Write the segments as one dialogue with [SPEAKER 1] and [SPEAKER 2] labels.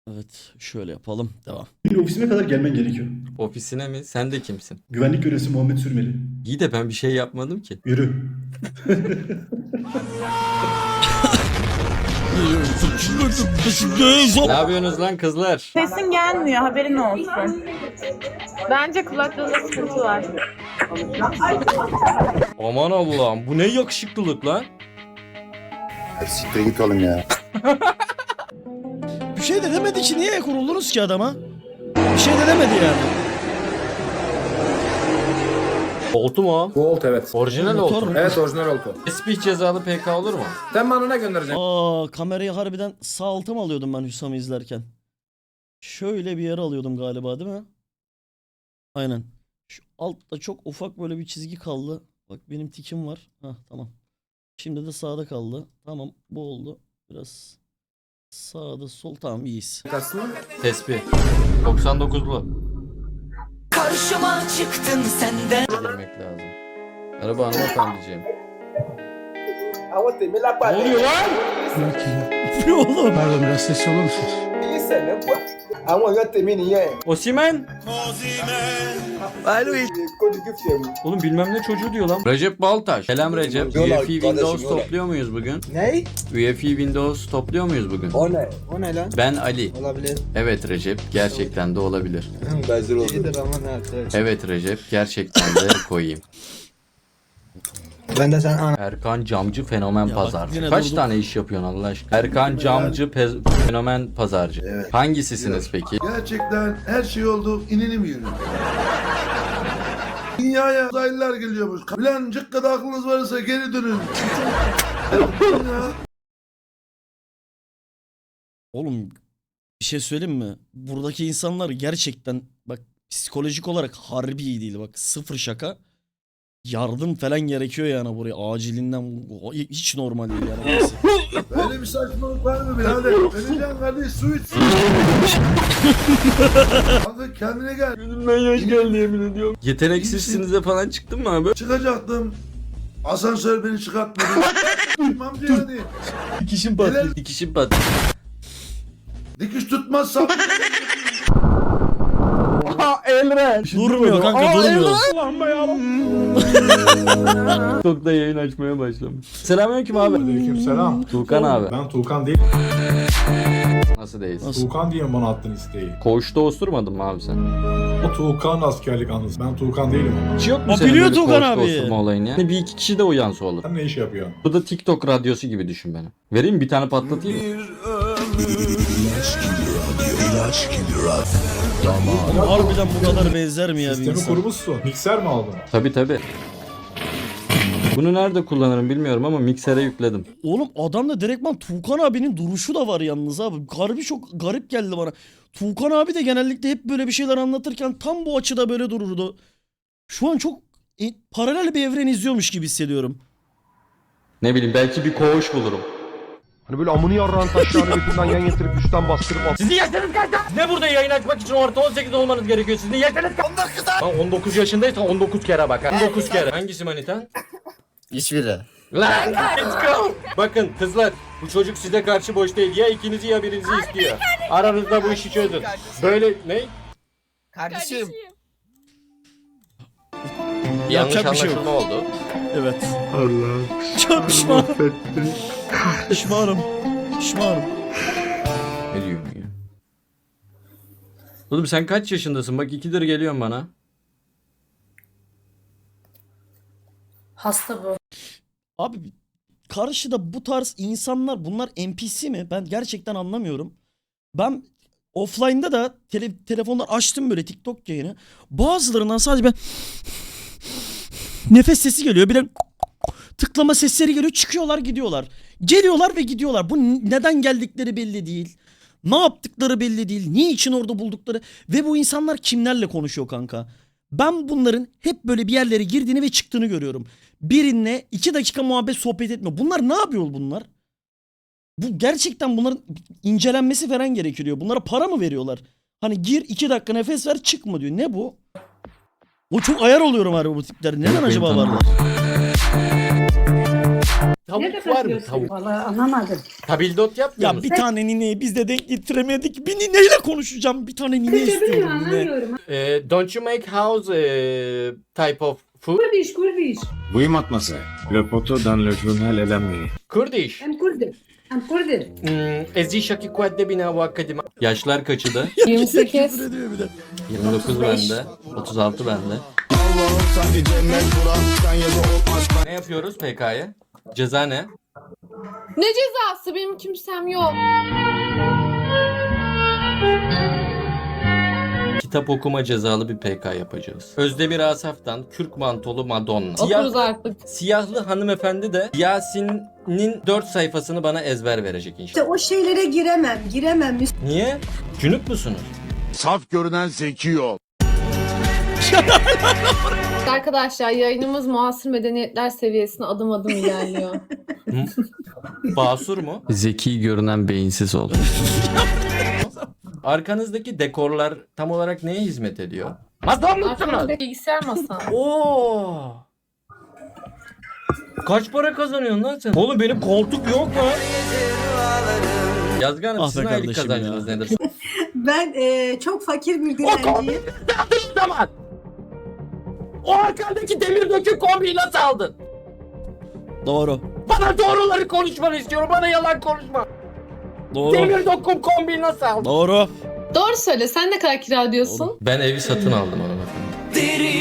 [SPEAKER 1] Evet, şöyle yapalım. Devam.
[SPEAKER 2] Benim ofisime kadar gelmen gerekiyor.
[SPEAKER 3] Ofisine mi? Sen de kimsin?
[SPEAKER 2] Güvenlik görevlisi Muhammed Sürmeli.
[SPEAKER 3] İyi de ben bir şey yapmadım ki.
[SPEAKER 2] Yürü.
[SPEAKER 3] Ne yapıyorsunuz lan kızlar?
[SPEAKER 4] Sesin gelmiyor, haberin olsun. Bence kulaklığında sıkıntı var.
[SPEAKER 3] Aman Allah'ım, bu ne yakışıklılık lan?
[SPEAKER 5] Siktir git oğlum ya.
[SPEAKER 1] Bir şey de demedi ki, niye kuruldunuz ki adama? Bir şey de demedi yani.
[SPEAKER 3] Oltu mu o?
[SPEAKER 6] Bu oltu evet.
[SPEAKER 3] Orijinal
[SPEAKER 1] Motor
[SPEAKER 3] oltu.
[SPEAKER 1] mu?
[SPEAKER 6] Evet orijinal oltu.
[SPEAKER 3] Tesbih cezalı PK olur mu?
[SPEAKER 6] Sen bana ne göndereceksin?
[SPEAKER 1] Aa, kamerayı harbiden sağ alta mı alıyordum ben Hüsam'ı izlerken? Şöyle bir yere alıyordum galiba, değil mi? Aynen. Şu altta çok ufak böyle bir çizgi kaldı. Bak benim tikim var. Hah, tamam. Şimdi de sağda kaldı. Tamam, bu oldu. Biraz sağda sol, tamam, iyiyiz.
[SPEAKER 6] Kaçsın mı?
[SPEAKER 3] Tesbih. 99'lu.
[SPEAKER 7] Karşıma çıktın senden.
[SPEAKER 3] Girmek lazım. Merhaba hanımefendiciğim.
[SPEAKER 6] Ne oluyor lan?
[SPEAKER 1] Ne oğlum?
[SPEAKER 8] Pardon biraz sesli olur musunuz?
[SPEAKER 3] Osimhen. Oğlum bilmem ne çocuğu diyor lan. Recep Baltaş. Selam Recep.
[SPEAKER 5] Yola,
[SPEAKER 3] UEFI
[SPEAKER 5] kardeşim,
[SPEAKER 3] Windows
[SPEAKER 5] yola.
[SPEAKER 3] topluyor muyuz bugün?
[SPEAKER 8] Ne?
[SPEAKER 3] UEFI Windows topluyor muyuz bugün?
[SPEAKER 8] O ne? O ne lan?
[SPEAKER 3] Ben Ali.
[SPEAKER 8] Olabilir.
[SPEAKER 3] Evet Recep, gerçekten de olabilir.
[SPEAKER 5] Benzer oldu.
[SPEAKER 8] İyidir ama ne arkadaş.
[SPEAKER 3] Evet Recep, gerçekten de koyayım.
[SPEAKER 8] Ben de sen ana.
[SPEAKER 3] Erkan Camcı Fenomen
[SPEAKER 1] Ya bak,
[SPEAKER 3] Pazarcı.
[SPEAKER 1] yine
[SPEAKER 3] Kaç
[SPEAKER 1] durduk.
[SPEAKER 3] tane iş yapıyorsun Allah aşkına? Erkan Camcı Fenomen Pazarcı.
[SPEAKER 5] Evet.
[SPEAKER 3] Hangisisiniz peki?
[SPEAKER 9] Gerçekten her şey oldu, ininim yürü. Dünyaya uzaylılar geliyormuş. Ulan cıkkada aklınız varsa geri dönün. Ya.
[SPEAKER 1] Oğlum bir şey söyleyeyim mi? Buradaki insanlar gerçekten bak psikolojik olarak harbi iyi değil, bak sıfır şaka. Yardım falan gerekiyor yani buraya acilinden, hiç normal değil yani. Neyse.
[SPEAKER 9] Böyle bir saçmalık var mı birader? Öleceğim kardeş, su iç. Kanka kendine gel.
[SPEAKER 3] Gözümden yaş geldi yemin ediyorum. Yeteneksizsinize falan çıktın mı abi?
[SPEAKER 9] Çıkacaktım. Asansör beni çıkartmadı. Amca yani.
[SPEAKER 1] Dikişim
[SPEAKER 9] patlıyor.
[SPEAKER 3] Dikişim pat.
[SPEAKER 9] Dikiş tutmazsam.
[SPEAKER 1] Durmuyor kanka, durmuyor.
[SPEAKER 3] TikTok'ta yayın açmaya başlamış. Selamünaleyküm abi.
[SPEAKER 10] Aleykümselam.
[SPEAKER 3] Tuğkan abi.
[SPEAKER 10] Ben Tuğkan değil.
[SPEAKER 3] Nasıl değilsin?
[SPEAKER 1] Nasıl?
[SPEAKER 10] Tuğkan diye bana attın isteği.
[SPEAKER 3] Koğuşta osturmadın mı abi sen?
[SPEAKER 10] O Tuğkan askerlik anısı. Ben Tuğkan değilim ama.
[SPEAKER 3] Hiç yok mu
[SPEAKER 1] Aa,
[SPEAKER 3] senin
[SPEAKER 1] biliyor
[SPEAKER 3] böyle
[SPEAKER 1] Tuğkan
[SPEAKER 3] koğuşta
[SPEAKER 1] abi.
[SPEAKER 3] osurma olayın ya? Bir iki kişi de uyansa olur.
[SPEAKER 10] Sen ne iş yapıyorsun?
[SPEAKER 3] Bu da TikTok radyosu gibi düşün beni. Vereyim mi? Bir tane patlatayım mı?
[SPEAKER 1] Oğlum harbiden bu kadar benzer mi ya bir
[SPEAKER 10] Sistemi
[SPEAKER 1] insan?
[SPEAKER 10] kurmuşsun. Mikser mi aldın?
[SPEAKER 3] Tabi tabi. Bunu nerede kullanırım bilmiyorum ama miksere yükledim.
[SPEAKER 1] Oğlum adamda direktman Tuğkan abinin duruşu da var yalnız abi. Harbi çok garip geldi bana. Tuğkan abi de genellikle hep böyle bir şeyler anlatırken tam bu açıda böyle dururdu. Şu an çok paralel bir evren izliyormuş gibi hissediyorum.
[SPEAKER 3] Ne bileyim belki bir koğuş bulurum.
[SPEAKER 11] Hani böyle amını yarrağın taşlarını götünden yan getirip üstten bastırıp at.
[SPEAKER 3] Sizin yaşınız kaç lan? Ne burada yayın açmak için orta 18 olmanız gerekiyor. Sizin yaşınız kaç? 19 lan. 19 yaşındaysan 19 kere bak. 19 kere. Hangisi manita?
[SPEAKER 5] Hiçbiri.
[SPEAKER 3] Lan let's go. Bakın kızlar bu çocuk size karşı boş değil. Ya ikinizi ya birinizi istiyor. Aranızda bu işi çözün. Böyle ne?
[SPEAKER 7] Kardeşim.
[SPEAKER 3] Yanlış
[SPEAKER 1] Yapacak bir şey yok.
[SPEAKER 3] anlaşılma oldu.
[SPEAKER 1] Evet.
[SPEAKER 10] Allah.
[SPEAKER 1] Çok pişmanım. Pişmanım. Pişmanım.
[SPEAKER 3] Ne diyorsun ya? Oğlum sen kaç yaşındasın? Bak 2'dir geliyorsun bana.
[SPEAKER 4] Hasta bu.
[SPEAKER 1] Abi karşıda bu tarz insanlar, bunlar NPC mi? Ben gerçekten anlamıyorum. Ben offline'da da telefonlar açtım böyle TikTok yayını. Bazılarından sadece ben nefes sesi geliyor. Bir de tıklama sesleri geliyor. Çıkıyorlar gidiyorlar. Geliyorlar ve gidiyorlar. Bu neden geldikleri belli değil. Ne yaptıkları belli değil. Niçin orada buldukları. Ve bu insanlar kimlerle konuşuyor kanka? Ben bunların hep böyle bir yerlere girdiğini ve çıktığını görüyorum. Birinle 2 dakika muhabbet sohbet etmiyor. Bunlar ne yapıyor bunlar? Bu gerçekten bunların incelenmesi falan gerekiyor. Bunlara para mı veriyorlar? Hani gir 2 dakika nefes ver çıkma diyor. Ne bu? O çok ayar oluyorum abi bu tipler. Neden
[SPEAKER 3] Yok,
[SPEAKER 1] acaba
[SPEAKER 3] benim
[SPEAKER 1] varlar?
[SPEAKER 3] Tavuk var mı? Tavuk.
[SPEAKER 4] Vallahi anlamadım.
[SPEAKER 3] Tabildot yapmıyor
[SPEAKER 1] Ya
[SPEAKER 3] musun?
[SPEAKER 1] bir tane nineyi biz de denk getiremedik. Bir nineyle konuşacağım. Bir tane nine istiyorum nine.
[SPEAKER 3] Don't you make house type of food?
[SPEAKER 4] Kurdiş.
[SPEAKER 11] Oui, mademoiselle. Le poteau dans le journal est la nuit.
[SPEAKER 3] Kurdish.
[SPEAKER 4] Hem Kurdi.
[SPEAKER 3] Ezi şaki kuadde bina bu akademi. Yaşlar kaçı da?
[SPEAKER 4] 28.
[SPEAKER 1] Küfür ediyor bir de.
[SPEAKER 3] 29 bende. 36 bende. Ne yapıyoruz PK'ya? Ceza ne?
[SPEAKER 4] Ne cezası? Benim kimsem yok.
[SPEAKER 3] Kitap okuma cezalı bir PK yapacağız. Özdemir Asaf'tan Kürk Mantolu Madonna.
[SPEAKER 4] Okuruz artık.
[SPEAKER 3] Siyahlı hanımefendi de Yasin'in 4 sayfasını bana ezber verecek inşallah.
[SPEAKER 4] O şeylere giremem.
[SPEAKER 3] Niye? Cünüp musunuz?
[SPEAKER 11] Saf görünen zeki ol.
[SPEAKER 4] Arkadaşlar yayınımız muasır medeniyetler seviyesine adım adım ilerliyor.
[SPEAKER 3] Basur mu?
[SPEAKER 8] Zeki görünen beyinsiz ol.
[SPEAKER 3] Arkanızdaki dekorlar tam olarak neye hizmet ediyor? Masam mısınız?
[SPEAKER 4] Arkamda bilgisayar masam.
[SPEAKER 3] Oo. Kaç para kazanıyorsun lan sen? Oğlum benim koltuk yok mu? Yazgı Hanım
[SPEAKER 1] Ah be
[SPEAKER 3] sizin aylık
[SPEAKER 1] kardeşim
[SPEAKER 3] kazancınız
[SPEAKER 1] ya.
[SPEAKER 3] nedir?
[SPEAKER 4] Ben çok fakir bir
[SPEAKER 3] dilenciyim. Zaman. O arkandaki demir dökü kombiyi nasıl aldın?
[SPEAKER 1] Doğru.
[SPEAKER 3] Bana doğruları konuşmanı istiyorum. Bana yalan konuşma.
[SPEAKER 1] Doğru.
[SPEAKER 3] Demir döküm kombiyi nasıl aldın?
[SPEAKER 1] Doğru.
[SPEAKER 4] Doğru söyle. Sen ne kadar kira ödüyorsun?
[SPEAKER 3] Ben evi satın aldım hanımefendi.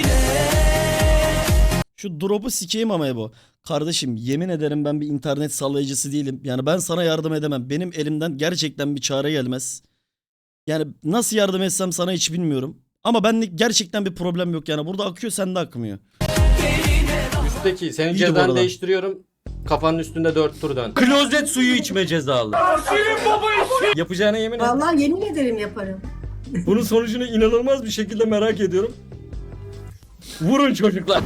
[SPEAKER 1] Şu drop'u sikeyim ama bu. Kardeşim yemin ederim ben bir internet sallayıcısı değilim. Yani ben sana yardım edemem. Benim elimden gerçekten bir çare gelmez. Yani nasıl yardım etsem sana hiç bilmiyorum. Ama benlik gerçekten bir problem yok yani. Burada akıyor sende akmıyor.
[SPEAKER 3] Üstteki senin
[SPEAKER 1] İyiydi bu
[SPEAKER 3] cezanı
[SPEAKER 1] arada.
[SPEAKER 3] değiştiriyorum. Kafanın üstünde 4 tur dön. Klozet suyu içme cezalı. Yapacağına yemin et.
[SPEAKER 4] Vallahi yemin ederim yaparım.
[SPEAKER 3] Bunun sonucunu inanılmaz bir şekilde merak ediyorum. Vurun çocuklar.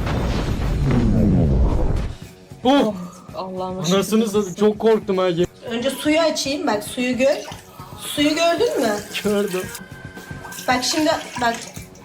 [SPEAKER 3] Oh!
[SPEAKER 4] Allah'ım.
[SPEAKER 3] Anasını satayım çok korktum ha.
[SPEAKER 4] Önce suyu açayım. Bak suyu gör. Suyu gördün mü?
[SPEAKER 3] Gördüm.
[SPEAKER 4] Bak şimdi bak.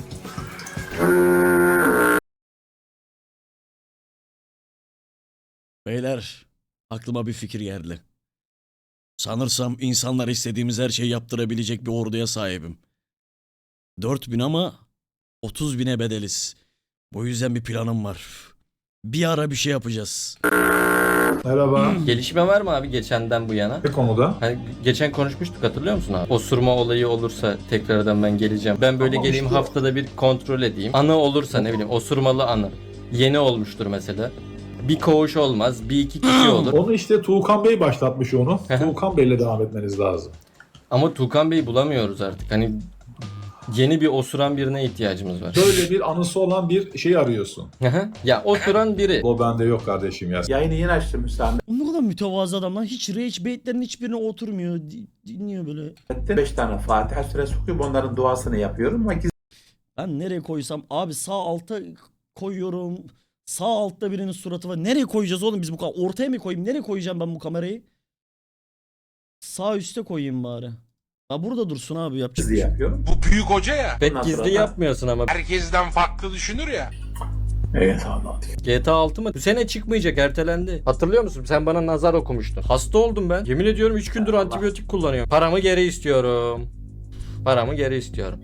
[SPEAKER 1] Beyler aklıma bir fikir geldi. Sanırsam insanlar istediğimiz her şeyi yaptırabilecek bir orduya sahibim. 4000 ama 30.000'e bedeliz. Bu yüzden bir planım var. Bir ara bir şey yapacağız.
[SPEAKER 10] Merhaba.
[SPEAKER 3] Gelişme var mı abi geçenden bu yana?
[SPEAKER 10] Ne konuda?
[SPEAKER 3] Hani geçen konuşmuştuk hatırlıyor musun abi? Osurma olayı olursa tekrardan ben geleceğim. Ben böyle
[SPEAKER 10] Tamam,
[SPEAKER 3] geleyim
[SPEAKER 10] işte.
[SPEAKER 3] haftada bir kontrol edeyim. Anı olursa ne bileyim osurmalı anı. Yeni olmuştur mesela. Bir koğuş olmaz, bir iki kişi olur.
[SPEAKER 10] Onu işte Tuğkan Bey başlatmış onu. Tuğkan Bey'le devam etmeniz lazım.
[SPEAKER 3] Ama Tuğkan Bey'i bulamıyoruz artık. Hani yeni bir osuran birine ihtiyacımız var.
[SPEAKER 10] Böyle bir anısı olan bir şey arıyorsun.
[SPEAKER 3] Ya osuran biri.
[SPEAKER 10] O bende yok kardeşim ya.
[SPEAKER 6] Yayını yeni açtım müsaade.
[SPEAKER 1] O ne kadar mütevazı adam lan. Hiç rage baitlerin hiçbirine oturmuyor. Dinliyor böyle.
[SPEAKER 6] 5 tane Fatiha suresi okuyup onların duasını yapıyorum ama
[SPEAKER 1] Ben nereye koysam abi sağ alta koyuyorum. Sağ altta birinin suratı var. Nereye koyacağız oğlum biz bu kamerayı? Ortaya mı koyayım? Nereye koyacağım ben bu kamerayı? Sağ üste koyayım bari. Ha burada dursun abi yapacak bir
[SPEAKER 6] gizli
[SPEAKER 1] şey.
[SPEAKER 6] yapıyorum.
[SPEAKER 11] Bu büyük hoca ya.
[SPEAKER 3] Bet
[SPEAKER 6] Ondan
[SPEAKER 3] gizli
[SPEAKER 6] sonra-
[SPEAKER 3] yapmıyorsun ama.
[SPEAKER 11] Herkesten farklı düşünür ya.
[SPEAKER 6] Evet Allah diyor.
[SPEAKER 3] GTA 6 mı? Bu sene çıkmayacak, ertelendi. Hatırlıyor musun? Sen bana nazar okumuştun. Hasta oldum ben. Yemin ediyorum 3 gündür antibiyotik kullanıyorum. Paramı geri istiyorum. Paramı geri istiyorum.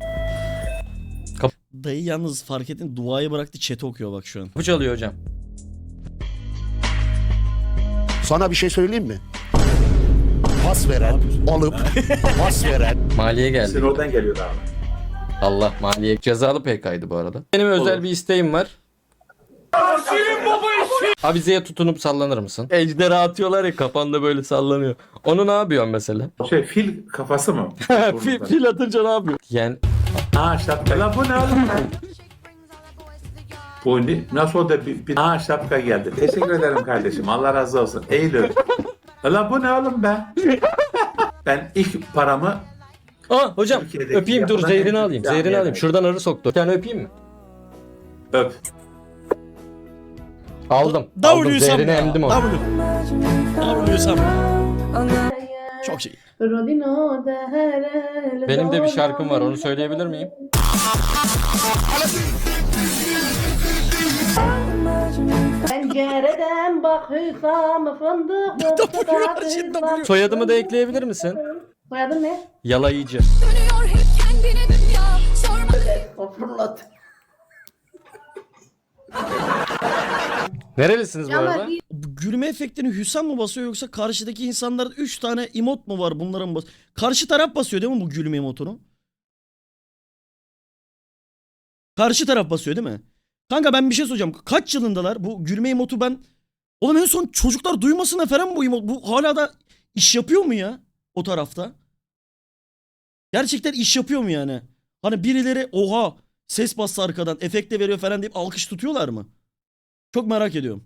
[SPEAKER 1] Dayı yalnız fark ettin duayı bıraktı chat'i okuyor bak şu an.
[SPEAKER 3] Kapı çalıyor hocam.
[SPEAKER 11] Sana bir şey söyleyeyim mi? Pas veren, alıp pas veren.
[SPEAKER 3] Maliye geldi.
[SPEAKER 6] Sizin oradan geliyor abi.
[SPEAKER 3] Allah maliye. Cezalı PK'ydı bu arada. Benim özel
[SPEAKER 6] Olur.
[SPEAKER 3] bir isteğim var. Avizeye tutunup sallanır mısın? Ejderha atıyorlar ya kafanda böyle sallanıyor. Onu ne yapıyorsun mesela?
[SPEAKER 6] O şey fil kafası mı?
[SPEAKER 3] fil atınca ne yapıyor? Yani
[SPEAKER 6] Ha şapka. Lan bu ne oğlum? Bu ne? Nasıl oldu? Ha şapka geldi. Teşekkür ederim kardeşim. Allah razı olsun. Eylül. Lan bu ne oğlum be? Ben ilk paramı
[SPEAKER 3] hocam
[SPEAKER 6] Türkiye'deki
[SPEAKER 3] öpeyim dur
[SPEAKER 6] yapılan
[SPEAKER 3] zehrini
[SPEAKER 6] en-
[SPEAKER 3] alayım.
[SPEAKER 6] Yani
[SPEAKER 3] Zehrini
[SPEAKER 6] yani.
[SPEAKER 3] alayım. Şuradan arı soktu. Bir tane öpeyim mi?
[SPEAKER 6] öp.
[SPEAKER 3] Aldım.
[SPEAKER 1] W
[SPEAKER 3] Aldım. Zehrini
[SPEAKER 1] Sam.
[SPEAKER 3] emdim onu.
[SPEAKER 1] W Sam. Çok şey.
[SPEAKER 3] Benim de bir şarkım var. Onu söyleyebilir miyim?
[SPEAKER 4] Ben Pencereden bakırsam fındık
[SPEAKER 1] Cidden
[SPEAKER 3] Soyadımı da ekleyebilir misin?
[SPEAKER 4] Soyadın ne?
[SPEAKER 3] Yalayıcı.
[SPEAKER 4] O fırlat.
[SPEAKER 3] Nerelisiniz bu arada?
[SPEAKER 1] Bu gülme efektini Hüsam mı basıyor yoksa karşıdaki insanların 3 tane emot mu var bunların mı Karşı taraf basıyor değil mi bu gülme emotunu? Karşı taraf basıyor değil mi? Kanka ben bir şey soracağım. Kaç yılındalar bu gülme emotu ben... Oğlum en son çocuklar duymasına falan bu emot. Bu hala da iş yapıyor mu ya o tarafta? Gerçekten iş yapıyor mu yani? Hani birileri oha ses bastı arkadan efekte veriyor falan deyip alkış tutuyorlar mı? Çok merak ediyorum.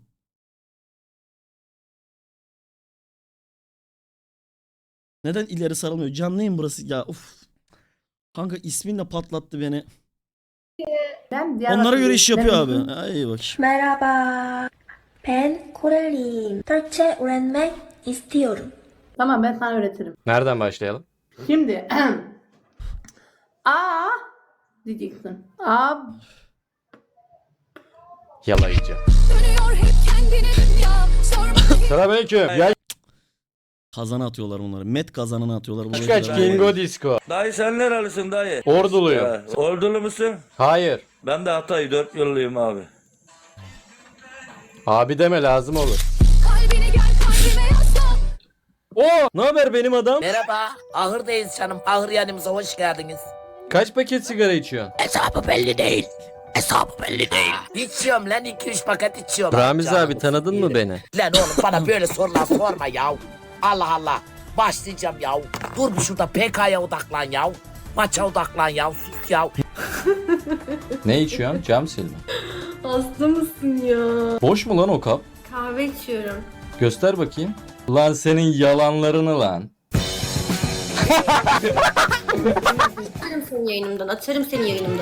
[SPEAKER 1] Neden ileri sarılmıyor? Canlı yayın burası ya. Uf. Kanka isminle patlattı beni. Onlara göre iş yapıyor abi. Ay bak.
[SPEAKER 4] Merhaba. Ben Koreliyim. Türkçe öğrenmek istiyorum. Tamam ben sana öğretirim.
[SPEAKER 3] Nereden başlayalım?
[SPEAKER 4] Şimdi A diyeceksin. A
[SPEAKER 3] Yalayıcı. Selamünaleyküm. Ya
[SPEAKER 1] Kazana atıyorlar bunları. Met kazanına atıyorlar. Bu
[SPEAKER 3] kaç Kingo Disco.
[SPEAKER 12] Dayı sen nerelisin dayı?
[SPEAKER 3] Orduluyum.
[SPEAKER 12] Ordulu musun?
[SPEAKER 3] Hayır.
[SPEAKER 12] Ben de Hatay 4 yıllıyım abi.
[SPEAKER 3] Abi deme lazım olur. Oo, ne haber benim adam?
[SPEAKER 7] Merhaba, ahırdayız canım. Ahır yanımıza hoş geldiniz.
[SPEAKER 3] Kaç paket sigara içiyorsun?
[SPEAKER 7] Hesabı belli değil. Hesabı belli değil. İçiyorum lan 2-3 paket içiyorum.
[SPEAKER 3] Ramiz
[SPEAKER 7] Canım
[SPEAKER 3] abi tanıdın mı
[SPEAKER 7] yerim.
[SPEAKER 3] beni?
[SPEAKER 7] Lan oğlum bana böyle sorular sorma ya. Allah Allah. Başlayacağım ya. Dur bir şurada PK'ya odaklan ya. Maça odaklan ya. Sus ya.
[SPEAKER 3] Ne içiyorsun? Cam silme.
[SPEAKER 4] hasta mısın ya?
[SPEAKER 3] Boş mu lan o kap?
[SPEAKER 4] Kahve içiyorum.
[SPEAKER 3] Göster bakayım. Lan senin yalanlarını lan.
[SPEAKER 4] Atarım seni yayınımdan. Atarım seni yayınımdan.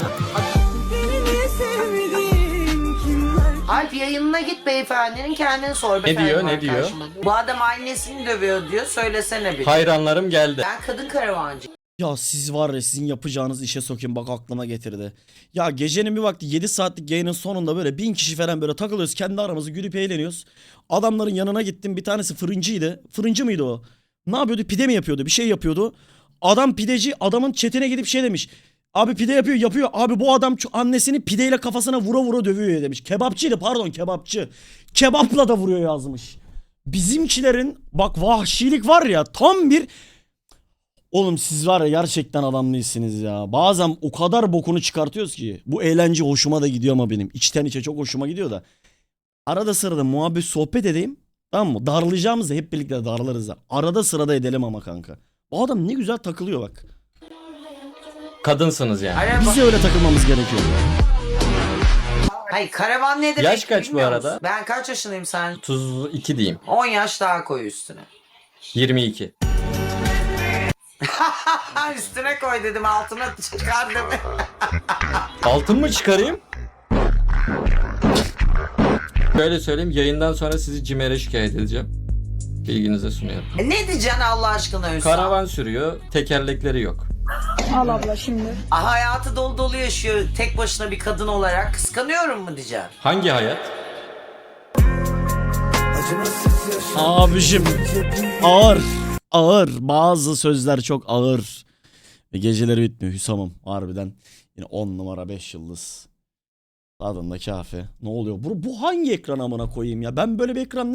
[SPEAKER 7] Alp yayınına git beyefendinin kendini sor.
[SPEAKER 3] Ne diyor, ne diyor?
[SPEAKER 7] Bu adam annesini dövüyor diyor. Söylesene bir.
[SPEAKER 3] Hayranlarım geldi.
[SPEAKER 7] Ben kadın karavancı.
[SPEAKER 1] Ya siz var ya sizin yapacağınız işe sokayım bak aklıma getirdi. Ya gecenin bir vakti 7 saatlik yayının sonunda böyle 1000 kişi falan böyle takılıyoruz. Kendi aramızda gülüp eğleniyoruz. Adamların yanına gittim bir tanesi fırıncıydı. Fırıncı mıydı o? Ne yapıyordu? Pide mi yapıyordu? Bir şey yapıyordu. Adam pideci adamın chatine gidip şey demiş. Abi pide yapıyor. Abi bu adam annesini pideyle kafasına vura vura dövüyor ya demiş. Kebapçıydı pardon kebapçı. Kebapla da vuruyor yazmış. Bizimkilerin bak vahşilik var ya tam bir... Oğlum siz var ya gerçekten adam değilsiniz ya. Bazen o kadar bokunu çıkartıyoruz ki. Bu eğlence hoşuma da gidiyor ama benim. İçten içe çok hoşuma gidiyor da. Arada sırada muhabbet sohbet edeyim. Tamam mı? Darlayacağımızda hep birlikte darlarız da. Arada sırada edelim ama kanka. O adam ne güzel takılıyor bak.
[SPEAKER 3] Kadınsınız yani.
[SPEAKER 1] Biz de öyle takılmamız gerekiyor.
[SPEAKER 7] Hayır karavan ne demek?
[SPEAKER 3] Yaş kaç bu
[SPEAKER 7] bilmiyor
[SPEAKER 3] arada?
[SPEAKER 7] musun? Ben kaç yaşındayım sen?
[SPEAKER 3] 32 diyeyim.
[SPEAKER 7] 10 yaş daha koy üstüne.
[SPEAKER 3] 22.
[SPEAKER 7] Üstüne koy dedim altına çıkar dedim.
[SPEAKER 3] Altın mı çıkarayım? Böyle söyleyeyim yayından sonra sizi CİMER'e şikayet edeceğim. Bilginize sunuyorum.
[SPEAKER 7] Ne diyeceksin Allah aşkına Hüsam?
[SPEAKER 3] Karavan sürüyor, tekerlekleri yok.
[SPEAKER 4] Al abla şimdi.
[SPEAKER 7] Hayatı dolu dolu yaşıyor tek başına bir kadın olarak. Kıskanıyorum mu diyeceğim?
[SPEAKER 3] Hangi hayat?
[SPEAKER 1] Abicim ağır. Ağır. Bazı sözler çok ağır. Ve geceleri bitmiyor Hüsam'ım harbiden. Yine 10 numara 5 yıldız. Tadında kafe. Ne oluyor? Bu hangi ekran amına koyayım ya? Ben böyle bir ekran